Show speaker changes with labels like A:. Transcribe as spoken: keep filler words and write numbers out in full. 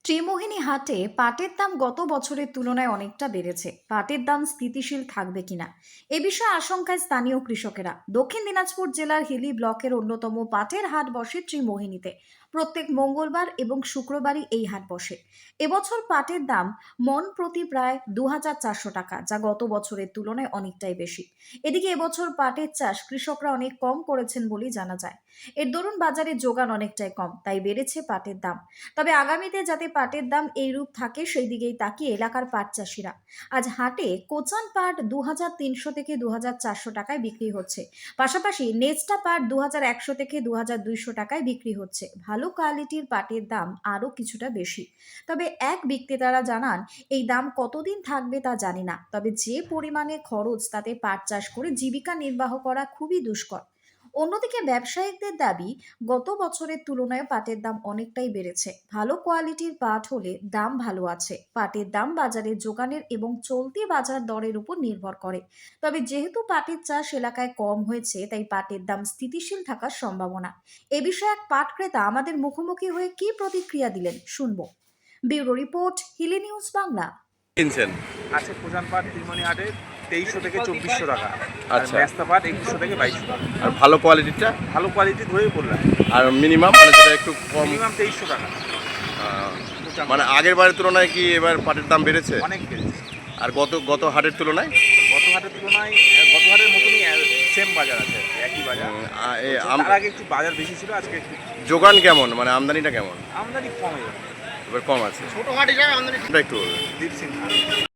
A: ত্রিমোহিনী হাটে পাটের দাম গত বছরের তুলনায় অনেকটা বেড়েছে। পাটের দাম স্থিতিশীল থাকবে কিনা এ বিষয়ে আশঙ্কায় স্থানীয় কৃষকেরা। দক্ষিণ দিনাজপুর জেলার হিলি ব্লকের অন্যতম পাটের হাট বসে ত্রিমোহিনীতে। প্রত্যেক মঙ্গলবার এবং শুক্রবারই এই হাট বসে। এবছর পাটের দাম মন প্রতি প্রায় দু হাজার চারশো টাকা, যা গত বছরের তুলনায় অনেকটাই বেশি। এদিকে এবছর পাটের চাষ কৃষকরা অনেক কম করেছেন বলেই জানা যায়। এর দরুন বাজারে যোগান অনেকটাই কম, তাই বেড়েছে পাটের দাম। তবে আগামীতে যাতে পাটের দাম এই রূপ থাকে সেই দিকেই তাকিয়ে এলাকার পাট চাষিরা। আজ হাটে কোচান পাট দু হাজার তিনশো থেকে দু হাজার চারশো টাকায় বিক্রি হচ্ছে। পাশাপাশি নেচটা পাট দু হাজার একশো থেকে দু হাজার দুইশো টাকায় বিক্রি হচ্ছে। ভালো কোয়ালিটির পাটের দাম আরও কিছুটা বেশি। তবে এক বিক্রেতারা জানান, এই দাম কতদিন থাকবে তা জানি না, তবে যে পরিমাণে খরচ তাতে পাট চাষ করে জীবিকা নির্বাহ করা খুবই দুষ্কর। অন্যদিকে ব্যবসায়িকদের দাবি, গত বছরের তুলনায় পাটের দাম অনেকটাই বেড়েছে। ভালো কোয়ালিটির পাট হলে দাম ভালো আছে। পাটের দাম বাজারে যোগানের এবং চলতি বাজার দরের উপর নির্ভর করে। তবে যেহেতু পাটের চাষ এলাকায় কম হয়েছে, তাই পাটের দাম স্থিতিশীল থাকার সম্ভাবনা। এ বিষয়ে এক পাট ক্রেতা আমাদের মুখোমুখি হয়ে কি প্রতিক্রিয়া দিলেন শুনবো। Bureau report, Hili news Bangla.
B: কিনছেন?
C: আছে প্রধান পাট ত্রিমণি হাটে তেইশশো থেকে চব্বিশশো টাকা, আর
B: আচ্ছা।
C: মেস্তা পাট একুশশো থেকে বাইশশো টাকা।
B: আর ভালো কোয়ালিটিটা?
C: ভালো কোয়ালিটি ধরেই বললাম,
B: আর মিনিমাম মানে যেটা একটু কম?
C: মিনিমাম তেইশশো টাকা।
B: আহ, মানে আগের বারের তুলনায় কি এবার পাটের দাম বেড়েছে?
C: অনেক বেড়েছে
B: আর গত গত হাটের তুলনায়?
C: গত হাটের তুলনায়। আহ, গত হাটের মতনই সেম বাজার আছে, একই বাজার।
B: উম, আ- এ
C: তার
B: আম-
C: আগে একটু বাজার বেশি ছিল, আজকে একটু
B: যোগান কেমন, মানে আমদানিটা কেমন?
C: আমদানি কমে যাবে।
B: এবার কম আছে,
C: ছোটো হাট হিসাবে আমদানি
B: এটা একটু বলবেন।
C: দীপ সিং